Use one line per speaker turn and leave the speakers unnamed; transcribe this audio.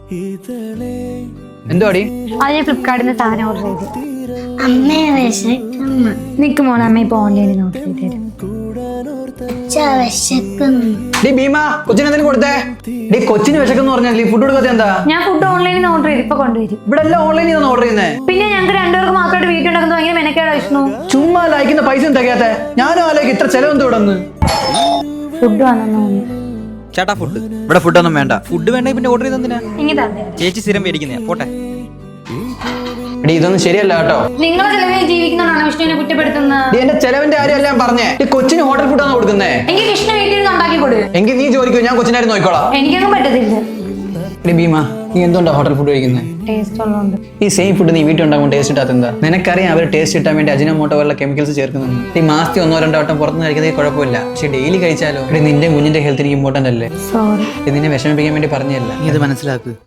എന്തോടി?
അത് ഞാൻ ഫ്ലിപ്കാർട്ടിൽ സാധനം ഓർഡർ ചെയ്തു.
അമ്മയെ വിശക്കുന്നു.
നിക്ക് മോളെ, അമ്മ ഇപ്പൊ ഓൺലൈനിൽ ഓർഡർ ചെയ്ത് തരാം.
വിശക്കുന്നു.
ഡി ഭീമ, കൊച്ചിന് എന്തെങ്കിലും കൊടുത്തേ. ഡി കൊച്ചിന് വിശക്കെന്ന് പറഞ്ഞാൽ ഫുഡ് കൊടുക്കാത്ത എന്താ?
ഞാൻ ഫുഡ് ഓൺലൈനിൽ ഓർഡർ ചെയ്ത് ഇപ്പൊ കൊണ്ടുവരും.
ഇവിടെ എല്ലാം ഓൺലൈനിൽ നിന്ന് ഓർഡർ ചെയ്യുന്നേ.
പിന്നെ ഞങ്ങൾക്ക് രണ്ടുപേർക്ക് മാത്രമായിട്ട് വീട്ടിലുണ്ടാക്കുന്നത് ഭയങ്കര മെനക്കേടാ വിഷ്ണു.
ചുമ്മാ ലയിക്കുന്ന പൈസ തികയാത്ത. ഞാനും ആലോചിക്കും ഇത്ര ചെലവെന്ത് ഇവിടെ നിന്ന്.
ഫുഡ് വന്നു.
ചേട്ടാ ഫുഡ്. ഇവിടെ ഫുഡൊന്നും വേണ്ട. ഫുഡ് വേണ്ട പിന്നെ ഓർഡർ ചെയ്തെന്തിനാ?
ഇങ്ങനെ തന്നെ
ചേച്ചി സ്ഥിരം മേടിക്കുന്നയാ. പോട്ടെ.
ഡി ഇതൊന്നും ശരിയല്ല കേട്ടോ.
നിങ്ങളെ ചെലവിൽ ജീവിക്കുന്നതാണ് വിഷ്ണുവിനെ കുറ്റപ്പെടുത്തുന്നത്.
ഡി എന്റെ ചെലവിന്റെ കാര്യമല്ല ഞാൻ പറഞ്ഞേ. ഈ കൊച്ചിന് ഹോട്ടൽ ഫുഡാണ് കൊടുക്കുന്നേ.
എനിക്ക് വിഷ്ണു വീട്ടിൽ നിന്ന് ഉണ്ടാക്കി കൊടു.
എങ്കിൽ നീ ജോലിക്കോ, ഞാൻ കൊച്ചിനായിരുന്നു നോക്കിക്കോളാം.
എനിക്കൊന്നും പറ്റത്തില്ല.
ഡി ഭീമ, നീ എന്തുകൊണ്ടാ ഹോട്ടൽ ഫുഡ് കഴിക്കുന്നത്?
ടേസ്റ്റ് ഉള്ളതുകൊണ്ട്.
ഈ സെയിം ഫുഡ് നീ വീട്ടിൽ ഉണ്ടാകുമ്പോൾ ടേസ്റ്റ് ഇട്ടാത്ത എന്താ? നിനക്കറിയാം അവർ ടേസ്റ്റ് കിട്ടാൻ വേണ്ടി അജിനോമോട്ടോ പോലുള്ള കെമിക്കൽസ് ചേർക്കുന്നുണ്ട്. ഈ മാസത്തിൽ 1-2 വട്ടം പുറത്തുനിന്ന് കഴിക്കുന്നത് കുഴപ്പമില്ല. പക്ഷെ ഡെയിലി കഴിച്ചാലോ? നിന്റെ കുഞ്ഞിന്റെ ഹെൽത്തിന് ഇമ്പോർട്ടന്റ് അല്ലേ?
സോറി.
നിന്നെ വിഷമിപ്പിക്കാൻ വേണ്ടി പറഞ്ഞല്ല.
നീ ഇത് മനസ്സിലാക്ക്.